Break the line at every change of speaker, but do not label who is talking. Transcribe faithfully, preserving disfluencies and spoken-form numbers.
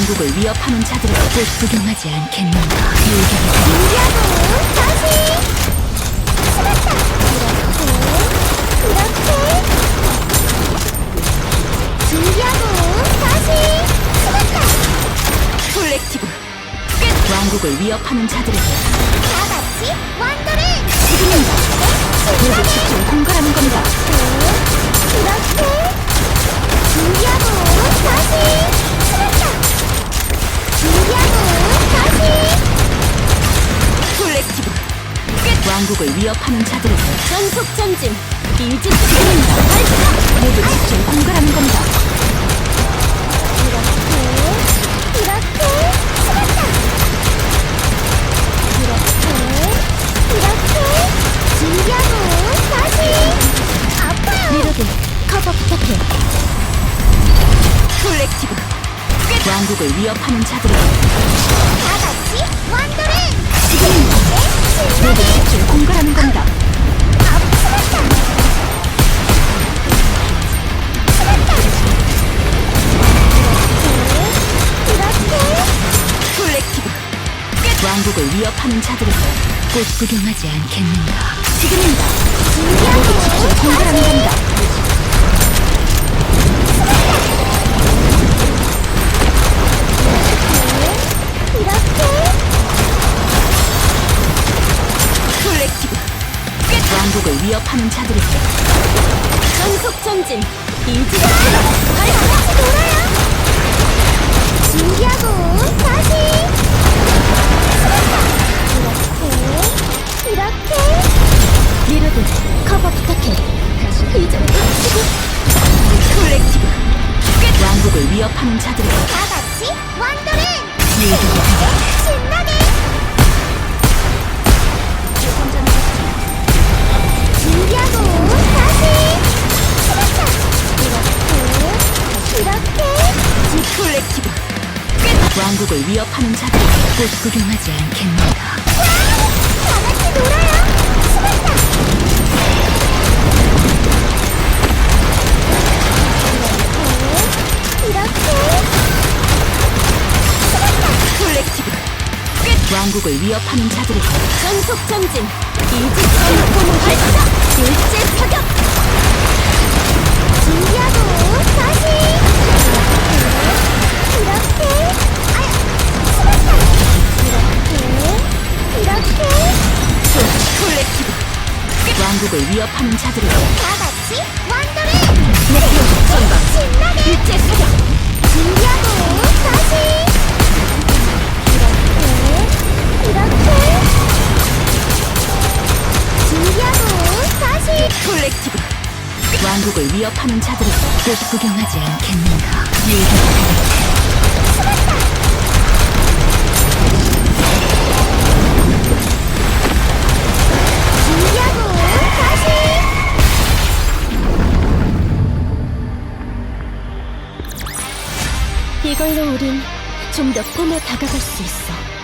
왕국을 위협하는 자들을 꼭 구경하지 않겠는가.
준비하고 다시 숨었다. 이렇게 이렇게 준비하고 다시 숨었다.
콜렉티브 끝! 왕국을 위협하는 자들에게
다 같이 완도를
지금입니다. 모두 집중 공갈하는 겁니다.
이렇게 준비하고 다시 숨었다. 준비하고 다시
콜렉티브 끝! 왕국을 위협하는 자들에게
전속 전진 일진
지금입니다. 모두 집중 공갈하는 겁니다.
이렇게 이렇게 숨었다. 이렇게 이렇게 준비하고 다시 아파요.
리로드
커버 부탁해.
콜렉티브 끝! 왕국을 위협하는 자들에게
다 같이 완도를
지금입니다. 모두
신나게
집중 공갈하는 겁니다.
앞 숨었다. 숨었다. 이렇게 이렇게
콜렉티브 끝! 왕국을 위협하는 자들에게 꼭 구경하지 않겠는가. 지금입니다.
준비하고
집중 공갈하는
다시
겁니다.
이렇게
콜렉티브 끝! 왕국을 위협하는 자들에게
전속 전진 일진 다 같이 놀아요. 준비하고 다시 숨었다. 이렇게 이렇게
리로드
커버 부탁해. 이제 치고
콜렉티브 끝! 왕국을 위협하는 자들에게
다 같이 완도를
리로드
신나게 준비하고 다시 숨었다. 이렇게 이렇게
콜렉티브 끝! 왕국을 위협하는 자들에게 꼭 구경하지 않겠는가.
다 같이 놀아요. 숨었다. 이렇게 이렇게 숨었다.
콜렉티브 끝! 왕국을 위협하는 자들에게
전속 전진 일진 전포문 발사 일제 사격 준비하고 다시 이렇게 이렇게 아야 숨었다. 이렇게 이렇게
콜렉티브 끝! 왕국을 위협하는 자들에게
다 같이 완도를
목표 전방
신나게
일제 사격
준비하고 다시 이렇게 이렇게 준비하고 다시
콜렉티브 끝! 왕국을 위협하는 자들에게 꼭 구경하지 않겠는가.
숨었다. 준비하고 다시 이걸로 우린 좀 더 꿈에 다가갈 수 있어.